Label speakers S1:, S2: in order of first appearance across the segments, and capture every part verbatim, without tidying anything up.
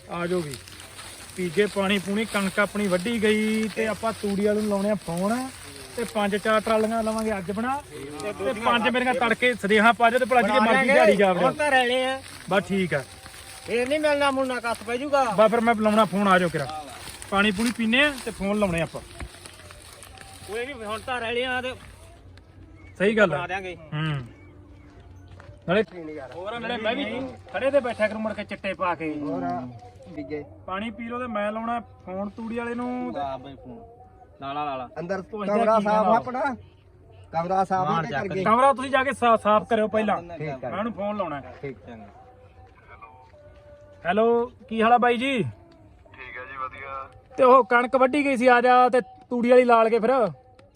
S1: ਆ ਜਾਓਗੀ ਪੀਗੇ ਪਾਣੀ ਪੂਣੀ ਕਣਕ ਆਪਣੀ ਵੱਢੀ ਗਈ ਤੇ ਆਪਾਂ ਤੂੜੀ ਵਾਲੇ ਨੂੰ ਲਾਉਣੇ ਆ ਫੋਨ ਤੇ ਪੰਜ ਚਾਰ ਟਰਾਲੀਆਂ ਲਵਾਂਗੇ ਅੱਜ ਬਣਾ ਤੇ ਪੰਜ ਮੇਰੀਆਂ ਤੜਕੇ ਸਦੇਹਾਂ ਪਾ ਜਾ ਤੇ ਭਲਾ ਜੀ ਮਰਜ਼ੀ ਦਿਹਾੜੀ ਜਾਵੜੇ
S2: ਹੁਣ ਤਾਂ ਰਹਿਣੇ ਆ
S1: ਬਸ ਠੀਕ ਆ
S2: ਇਹ ਨਹੀਂ ਮਿਲਣਾ ਮੁੰਨਾ ਕੱਸ ਪੈ ਜੂਗਾ
S1: ਬਸ ਫਿਰ ਮੈਂ ਲਾਉਣਾ ਫੋਨ ਆ ਜਾਓ ਕਿਰਾ ਪਾਣੀ ਪੂਣੀ ਪੀਨੇ ਆ ਤੇ ਫੋਨ ਲਾਉਣੇ ਆਪਾਂ
S2: ਕੋਈ ਨਹੀਂ ਹੁਣ ਤਾਂ ਰਹਿਣੇ ਆ ਤੇ
S1: ਸਹੀ ਗੱਲ
S2: ਬਣਾ
S1: ਆ
S2: ਦਿਆਂਗੇ
S1: ਹੂੰ ਨਾਲੇ ਹੋਰ ਨਾਲੇ ਮੈਂ ਵੀ ਖੜੇ ਤੇ ਬੈਠਾ ਕਰ ਮੁੜ ਕੇ ਚਿੱਟੇ ਪਾ ਕੇ
S2: ਹੋਰ ਵਿਗੇ
S1: ਪਾਣੀ ਪੀ ਲੋ ਤੇ ਮੈਂ ਲਾਉਣਾ ਫੋਨ ਤੂੜੀ ਵਾਲੇ ਨੂੰ
S2: ਆ ਬਈ ਫੋਨ ਲਾਲਾ ਲਾਲਾ
S3: ਅੰਦਰ
S1: ਪੁੱਛਦਾ
S3: ਕਮਰਾ
S1: ਕੀ
S3: ਸਾਫ
S1: ਕਹਿੰਦਾ?
S3: ਆਪਣਾ ਕਮਰਾ ਸਾਫ ਹੀ ਕਰਕੇ
S1: ਕਮਰਾ ਤੁਸੀਂ ਜਾ ਕੇ ਸਾ- ਸਾਫ਼ ਕਰਿਓ ਪਹਿਲਾਂ
S3: ਠੀਕ
S1: ਮੈਂ
S3: ਹੈ
S1: ਉਹਨੂੰ ਫੋਨ ਲਾਉਣਾ
S3: ਠੀਕ
S2: ਚੰਗਾ
S1: ਹੈਲੋ ਕੀ ਹਾਲ ਆ ਬਾਈ ਜੀ
S4: ਠੀਕ ਹੈ ਜੀ ਵਧੀਆ।
S1: ਤੇ ਉਹ ਕਣਕ ਵੱਢੀ ਗਈ ਸੀ ਆ ਜਾ ਤੇ ਤੂੜੀ ਵਾਲੀ ਲਾਲ ਕੇ ਫਿਰ
S4: ਅਹ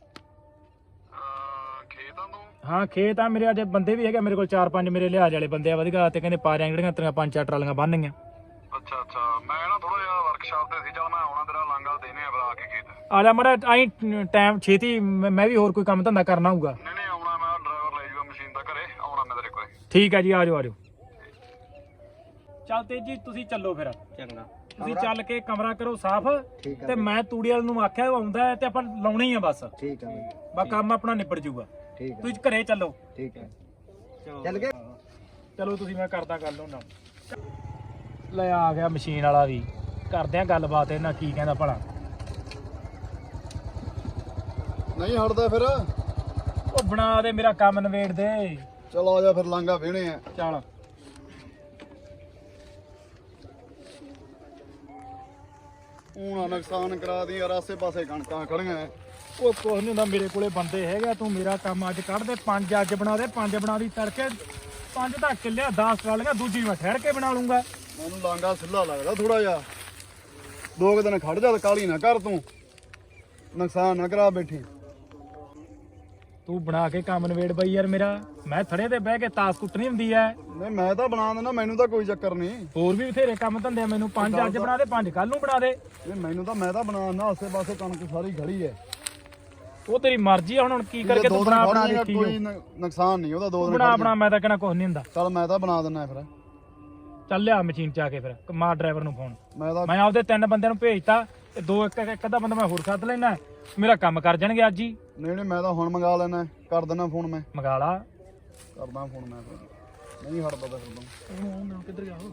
S4: ਖੇਤਾਂ ਤੋਂ
S1: ਹਾਂ ਖੇਤ ਆ ਮੇਰੇ ਅੱਜ ਬੰਦੇ ਵੀ ਹੈਗੇ ਮੇਰੇ ਕੋਲ ਚਾਰ ਪੰਜ ਮੇਰੇ ਲਿਹਾਜ਼ ਵਾਲੇ ਬੰਦੇ ਆ ਵਧੀਆ ਤੇ ਕਹਿੰਦੇ ਪਾ ਰਿਆਂ ਜਿਹੜੀਆਂ ਤੇਰੀਆਂ ਪੰਜ ਚਾਰ ਟਰਾਲੀਆਂ ਬੰਨ੍ਹਗੀਆਂ
S4: ਅੱਛਾ ਅੱਛਾ ਮੈਂ ਨਾ ਥੋੜਾ ਜਿਹਾ ਵਰਕਸ਼ਾਪ ਤੇ ਸੀ, ਚੱਲ ਮੈਂ ਆਉਣਾ ਤੇਰਾ ਲਾਂਗਾ ਦੇਣੇ ਆ ਫਿਰ ਆ ਕੇ ਖੇਤ।
S1: ਆ ਜਾ ਮੜਾ ਆਈ ਟਾਈਮ ਛੇਤੀ ਮੈਂ ਮੈਂ ਵੀ ਹੋਰ ਕੋਈ ਕੰਮ ਧੰਦਾ ਕਰਨਾ ਹੋਊਗਾ
S4: ਨਹੀਂ ਨਹੀਂ ਆਉਣਾ, ਮੈਂ ਡਰਾਈਵਰ ਲੈ ਜਾਊਗਾ ਮਸ਼ੀਨ ਦਾ ਘਰੇ, ਆਉਣਾ ਮੈਂ ਤੇਰੇ ਕੋਲੇ।
S1: ਠੀਕ ਹੈ ਜੀ ਆ ਜਾਓ ਆ ਜਾਓ ਚੱਲ ਤੇਜੀ ਤੁਸੀਂ ਚੱਲੋ ਫਿਰ
S2: ਚੰਗਾ
S1: ਤੁਸੀਂ ਚੱਲ ਕੇ ਕਮਰਾ ਕਰੋ ਸਾਫ਼
S3: ਠੀਕ ਹੈ
S1: ਤੇ ਮੈਂ ਤੂੜੀ ਵਾਲੇ ਨੂੰ ਆਖਿਆ ਉਹ ਆਉਂਦਾ ਹੈ ਤੇ ਆਪਾਂ ਲਾਉਣੀ ਹੀ ਆ ਬਸ
S3: ਠੀਕ ਹੈ ਬਈ
S1: ਬਾ ਕੰਮ ਆਪਣਾ ਨਿਬੜ ਜਾਊਗਾ
S3: ਠੀਕ ਹੈ
S1: ਤੁਸੀਂ ਘਰੇ ਚੱਲੋ
S3: ਠੀਕ ਹੈ
S2: ਚਲੋ
S3: ਚੱਲ ਗਏ
S1: ਚਲੋ ਤੁਸੀਂ ਮੈਂ ਕਰਦਾ ਗੱਲ ਉਹਨਾਂ ਲੈ ਆ ਗਿਆ ਮਸ਼ੀਨ ਵਾਲਾ ਵੀ ਕਰਦੇ ਆ ਗੱਲਬਾਤ ਇਹਨਾਂ ਕੀ ਕਹਿੰਦਾ ਭਲਾ
S4: ਨਹੀਂ ਹਟਦਾ ਫਿਰ,
S1: ਉਹ ਬਣਾ ਦੇ ਮੇਰਾ ਕੰਮ ਨਵੇੜ ਦੇ
S4: ਚਲ ਆ ਜਾ ਫਿਰ ਲਾਂਗਾ ਵੇਣੇ ਆ।
S1: ਚੱਲ
S4: ਹੁਣ ਨੁਕਸਾਨ ਕਰਾ ਦੀ ਯਾਰ, ਆਸੇ ਪਾਸੇ ਕਣਕਾਂ ਖੜੀਆਂ ਐ।
S1: ਉਹ ਕੁਛ ਨਹੀਂ ਹੁੰਦਾ ਮੇਰੇ ਕੋਲੇ ਬੰਦੇ ਹੈਗਾ ਤੂੰ ਮੇਰਾ ਕੰਮ ਅੱਜ ਕੱਢ ਦੇ ਪੰਜ ਅੱਜ ਬਣਾ ਦੇ ਪੰਜ ਬਣਾ ਦੀ ਤੜਕੇ ਪੰਜ ਤਾਂ ਕਿੱਲਿਆ ਦਸ ਟਰਾਲੀਆਂ ਦੂਜੀ ਮੈਂ ਠਹਿਰ ਕੇ ਬਣਾ ਲੂੰਗਾ
S4: ਮੈਨੂੰ ਲਾਂਗਾ ਸਿੱਲਾ ਲੱਗਦਾ ਥੋੜਾ ਜਿਹਾ, ਦੋ ਕੁ ਦਿਨ ਖੜ ਜਾ ਤੇ ਕਾਲੀ ਨਾ ਕਰ ਤੂੰ, ਨੁਕਸਾਨ ਨਾ ਕਰਾ ਬੈਠੀ।
S1: ਤੂੰ ਬਣਾ ਕੇ ਕੰਮ ਨਵੇੜ ਬਈ ਯਾਰ ਮੇਰਾ ਮੈਂ ਥੜੇ ਤੇ ਬਹਿ ਕੇ ਤਾਸ ਕੁੱਟਣੀ ਹੁੰਦੀ ਐ
S4: ਨਹੀਂ ਮੈਂ ਤਾਂ ਬਣਾ ਦਿੰਦਾ, ਮੈਨੂੰ ਤਾਂ ਕੋਈ ਚੱਕਰ ਨਹੀਂ।
S1: ਹੋਰ ਵੀ ਬਥੇਰੇ ਕੰਮ ਧੰਦੇ ਆ ਮੈਨੂੰ ਪੰਜ ਅੱਜ ਬਣਾ ਦੇ ਪੰਜ ਕੱਲ ਨੂੰ ਬਣਾ ਦੇ
S4: ਨਹੀਂ ਮੈਨੂੰ ਤਾਂ ਮੈਂ ਤਾਂ ਬਣਾ ਦਿੰਦਾ, ਆਸੇ ਪਾਸੇ ਕਣਕ ਸਾਰੀ ਖੜੀ ਐ।
S1: ਉਹ ਤੇਰੀ ਮਰਜ਼ੀ ਆ ਹੁਣ ਕੀ ਕਰਕੇ ਤੂੰ ਬਣਾ ਬਣਾ ਦੇਖੀ
S4: ਕੋਈ ਨ- ਨੁਕਸਾਨ ਨਹੀਂ ਉਹਦਾ, ਦੋ ਦਿਨ
S1: ਬਣਾ
S4: ਖੜ
S1: ਬਣਾ ਮੈਂ ਤਾਂ ਕਹਿਣਾ ਕੁਛ ਨਹੀਂ ਹੁੰਦਾ
S4: ਚੱਲ ਮੈਂ ਤਾਂ ਬਣਾ ਦਿੰਦਾ ਫਿਰ।
S1: ਚੱਲ ਲਿਆ ਮਸ਼ੀਨ ਚ ਆ ਕੇ ਫਿਰ ਮਾਰ ਡਰਾਈਵਰ ਨੂੰ ਫੋਨ
S4: ਮੈਂ ਤਾਂ
S1: ਮੈਂ ਆਪਦੇ ਤਿੰਨ ਬੰਦਿਆਂ ਨੂੰ ਭੇਜਤਾ ਤੇ ਦੋ ਇੱਕ ਇੱਕ ਅੱਧਾ ਬੰਦਾ ਮੈਂ ਹੋਰ ਸੱਦ ਲੈਣਾ ਮੇਰਾ ਕੰਮ ਕਰ ਜਾਣਗੇ ਅੱਜ ਹੀ
S4: ਨਹੀਂ ਨਹੀਂ ਮੈਂ ਤਾਂ ਹੁਣ ਮੰਗਾ ਲੈਣਾ, ਕਰ ਦਿੰਦਾ ਫੋਨ, ਮੈਂ
S1: ਮੰਗਾ ਲਾ
S4: ਕਰਦਾ ਫੋਨ ਮੈਂ ਫਿਰ। ਨਹੀਂ ਹਟਦਾ ਤਾਂ ਫਿਰ
S1: ਕਿੱਧਰ ਗਿਆ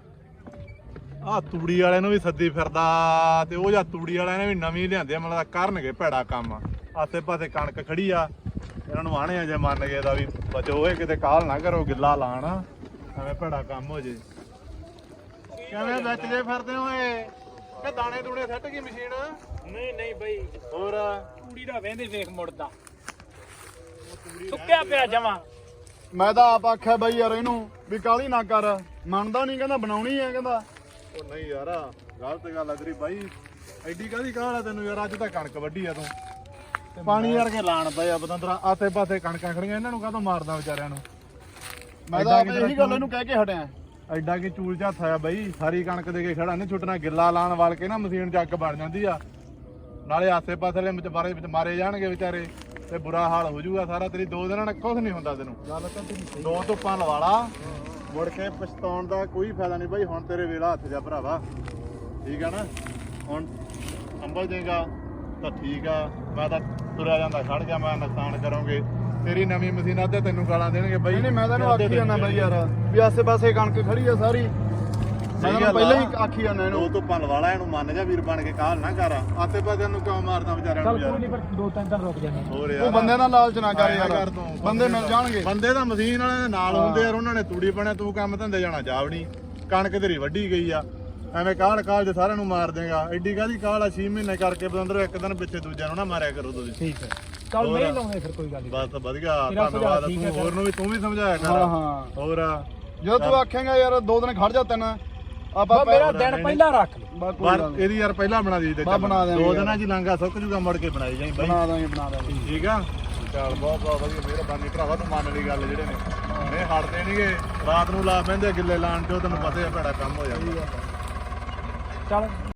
S5: ਆ ਤੂੜੀ ਵਾਲਿਆਂ ਨੂੰ ਵੀ ਸੱਦੀ ਫਿਰਦਾ ਤੇ ਉਹ ਜਾਂ ਤੂੜੀ ਵਾਲਿਆਂ ਨੇ ਵੀ ਨਵੀਂ ਲਿਆਂਦੇ ਆ, ਮਤਲਬ ਕਰਨਗੇ ਭੈੜਾ ਕੰਮ। ਆਸੇ ਪਾਸੇ ਕਣਕ ਖੜੀ ਆ, ਇਹਨਾਂ ਨੂੰ ਆਣੇ ਆ ਜੇ ਮੰਨ ਗਏ ਦਾ ਵੀ ਬਚੋ ਹੋਏ ਕਿਤੇ ਕਾਲ ਨਾ ਕਰੋ ਗਿੱਲਾ ਲਾਣ, ਐਵੇਂ ਭੈੜਾ ਕੰਮ ਹੋ ਜੇ। ਕਿਵੇਂ ਵਿੱਚ ਜੇ ਫਿਰਦੇ ਹੋਏ ਕਿ ਦਾਣੇ ਦੂਣੇ ਸੱਟ ਗਈ ਮਸ਼ੀਨ?
S1: ਨਹੀਂ ਨਹੀਂ ਬਈ
S5: ਹੋਰ
S1: ਕੁੜੀ ਦਾ ਵੇਂਦੇ ਵੇਖ ਮੁੜਦਾ ਸੁੱਕਿਆ ਪਿਆ ਜਮਾ
S4: ਮੈਂ ਤਾਂ ਆਪ ਆਖਿਆ ਬਈ ਯਾਰ ਇਹਨੂੰ ਵੀ ਕਾਲੀ ਨਾ ਕਰ, ਮੰਨਦਾ ਨਹੀਂ, ਕਹਿੰਦਾ ਬਣਾਉਣੀ ਹੈ, ਕਹਿੰਦਾ
S5: ਉਹ ਨਹੀਂ ਯਾਰ ਗਲਤ ਗੱਲ ਆ ਤੇਰੀ ਬਾਈ, ਐਡੀ ਕਾਹਦੀ ਕਾਹਲ ਆ ਤੈਨੂੰ ਯਾਰ, ਅੱਜ ਤਾਂ ਕਣਕ ਵੱਢੀ ਆ ਤੂੰ ਪਾਣੀ ਯਾਰ ਕੇ ਲਾਣ ਪਏ ਆ ਬਤੰਦਰਾ, ਆਸੇ ਪਾਸੇ ਕਣਕਾਂ ਖੜੀਆਂ, ਇਹਨਾਂ ਨੂੰ ਕਾਹਤੋਂ ਮਾਰਦਾ ਵਿਚਾਰਿਆਂ ਨੂੰ।
S4: ਮੈਂ ਤਾਂ ਆਪ ਇਹੀ ਗੱਲ ਇਹਨੂੰ ਕਹਿ ਕੇ ਹਟਿਆ।
S5: ਐਡਾ ਕੀ ਚੂਲ ਝੱਥ ਆ ਬਾਈ, ਸਾਰੀ ਕਣਕ ਦੇ ਕੇ ਖੜਾ ਨਹੀਂ ਛੁੱਟਣਾ, ਗਿੱਲਾ ਲਾਣ ਵਾਲ ਕੇ ਨਾ ਮਸ਼ੀਨ ਚ ਅੱਗ ਬਣ ਜਾਂਦੀ ਆ, ਨਾਲੇ ਆਸੇ ਪਾਸੇ ਵਾਲੇ ਵਿੱਚ ਮਾਰੇ ਵਿੱਚ ਮਾਰੇ ਜਾਣਗੇ ਵਿਚਾਰੇ ਤੇ ਬੁਰਾ ਹਾਲ ਹੋ ਜਾਊਗਾ ਸਾਰਾ। ਤੇਰੀ ਦੋ ਦਿਨਾਂ ਨਾਲ ਕੁਝ ਨਹੀਂ ਹੁੰਦਾ ਤੈਨੂੰ,
S4: ਗੱਲ ਤਾਂ ਤੇਰੀ
S5: ਦੋ ਧੁੱਪਾਂ ਲਵਾ ਲਾ, ਮੁੜ ਕੇ ਪਛਤਾਉਣ ਦਾ ਕੋਈ ਫਾਇਦਾ ਨਹੀਂ ਬਾਈ। ਹੁਣ ਤੇਰੇ ਵੇਲਾ ਹੱਥ ਜਾ ਭਰਾਵਾ, ਠੀਕ ਆ ਨਾ, ਹੁਣ ਸੰਭਲ ਜਾਏਗਾ ਤਾਂ ਠੀਕ ਆ, ਮੈਂ ਤਾਂ ਤੁਰਿਆ ਜਾਂਦਾ ਖੜ ਗਿਆ, ਮੈਂ ਨੁਕਸਾਨ ਕਰੋਗੇ ਤੇਰੀ ਨਵੀਂ ਮਸ਼ੀਨ ਅੱਧੇ ਤੈਨੂੰ ਗਾਲਾਂ ਦੇਣਗੇ ਬਾਈ।
S4: ਨਹੀਂ ਨਹੀਂ ਮੈਂ ਤਾਂ ਇਹਨੂੰ ਆਖੀ ਜਾਂਦਾ ਬਈ ਯਾਰ ਵੀ ਆਸੇ ਪਾਸੇ ਕਣਕ ਖੜੀ ਆ ਸਾਰੀ, ਮੈਂ ਤਾਂ
S5: ਗੱਲ
S4: ਪਹਿਲਾਂ
S5: ਆ।
S4: ਹੀ ਆਖੀ ਜਾਂਦਾ
S5: ਦੋ
S4: ਇਹਨੂੰ।
S5: ਧੁੱਪਾਂ ਲਵਾ ਲਾ, ਇਹਨੂੰ ਮੰਨ ਜਾ ਵੀਰ ਬਣ ਕੇ, ਕਾਲ ਨਾ ਕਰ, ਆਸੇ ਪਾਸੇ ਨੂੰ ਕਿਉਂ ਮਾਰਦਾ ਵਿਚਾਰਿਆਂ
S1: ਚੱਲ
S5: ਨੂੰ
S1: ਕੋਈ
S5: ਯਾਰ।
S1: ਨਹੀਂ ਪਰ ਦੋ ਤਿੰਨ ਦਿਨ ਰੁਕ ਜਾਣਾ
S5: ਹੋਰ
S4: ਉਹ
S5: ਯਾਰ
S4: ਬੰਦੇ ਨਾਲ ਲਾਲਚ ਨਾ ਕਰ
S5: ਆਇਆ
S4: ਯਾਰ,
S5: ਕਰ ਤੂੰ,
S4: ਬੰਦੇ ਮਿਲ ਜਾਣਗੇ।
S5: ਬੰਦੇ ਤਾਂ ਮਸ਼ੀਨ ਵਾਲਿਆਂ ਦੇ ਨਾਲ ਹੁੰਦੇ ਯਾਰ, ਉਹਨਾਂ ਨੇ ਤੂੜੀ ਬਣਿਆ, ਤੂੰ ਕੰਮ ਧੰਦੇ ਜਾਣਾ ਜਾਵਣੀ, ਕਣਕ ਤੇਰੀ ਵੱਢੀ ਗਈ ਆ, ਐਵੇਂ ਕਾਲ ਕਾਲ ਜੇ ਸਾਰਿਆਂ ਨੂੰ ਮਾਰ ਦੇਗਾ। ਐਡੀ ਕਾਹਦੀ ਕਾਲ ਆ, ਛੇ ਮਹੀਨੇ ਕਰਕੇ ਬਦੰਦਰ ਇੱਕ ਦਿਨ ਪਿੱਛੇ ਦੂਜਿਆਂ ਨੂੰ ਨਾ ਮਾਰਿਆ ਕਰੋ ਤੁਸੀਂ।
S1: ਠੀਕ ਹੈ ਚੱਲ ਨਹੀਂ ਲਾਉਂਦੇ ਫਿਰ ਕੋਈ ਗੱਲ ਨਹੀਂ
S5: ਬਸ ਵਧੀਆ,
S1: ਤੇਰਾ ਸੁਝਾਅ
S5: ਧੰਨਵਾਦ।
S1: ਠੀਕ ਹੈ
S5: ਤੂੰ ਹੋਰ ਨੂੰ ਵੀ ਤੂੰ ਵੀ ਸਮਝਾਇਆ ਕਰ।
S4: ਹਾਂ ਹਾਂ
S5: ਹੋਰ
S4: ਜਦੋਂ ਤੂੰ ਆਖੇਂਗਾ ਯਾਰ ਦੋ ਦਿਨ ਖੜ ਜਾ ਤੈਨੂੰ, ਆਪਾਂ
S1: ਬਸ ਮੇਰਾ ਦਿਨ ਪਹਿਲਾਂ ਰੱਖ ਲੈ
S4: ਬਾ ਕੋਈ
S5: ਪਰ
S4: ਗੱਲ ਨੀ।
S5: ਇਹਦੀ ਯਾਰ ਪਹਿਲਾਂ ਬਣਾ ਦੀ ਤੇ
S4: ਬਸ ਬਣਾ ਦਿਆਂਗੇ
S5: ਦੋ
S4: ਯਾਰ।
S5: ਦਿਨਾਂ 'ਚ ਹੀ ਲਾਂਘਾ ਸੁੱਕ ਜੂਗਾ, ਮੁੜ ਕੇ ਬਣਾਈ ਜਾਈ ਬਾਈ।
S4: ਬਣਾ ਦਾਂਗੇ ਬਣਾ ਦਾਂਗੇ
S5: ਠੀਕ ਆ, ਚੱਲ ਬਹੁਤ ਬਹੁਤ ਵਧੀਆ, ਮਿਹਰਬਾਨੀ ਭਰਾਵਾ, ਤੂੰ ਮੰਨ ਲਈ ਗੱਲ ਜਿਹੜੇ ਨੇ, ਇਹ ਹਟਦੇ ਨਹੀਂਗੇ, ਰਾਤ ਨੂੰ ਲਾ ਪੈਂਦੇ ਗਿੱਲੇ ਲਾਣ ਚੋਂ, ਤੈਨੂੰ ਪਤਾ ਹੈ ਭੈੜਾ ਕੰਮ ਹੋ ਜਾਂਦਾ।
S1: ਚੱਲ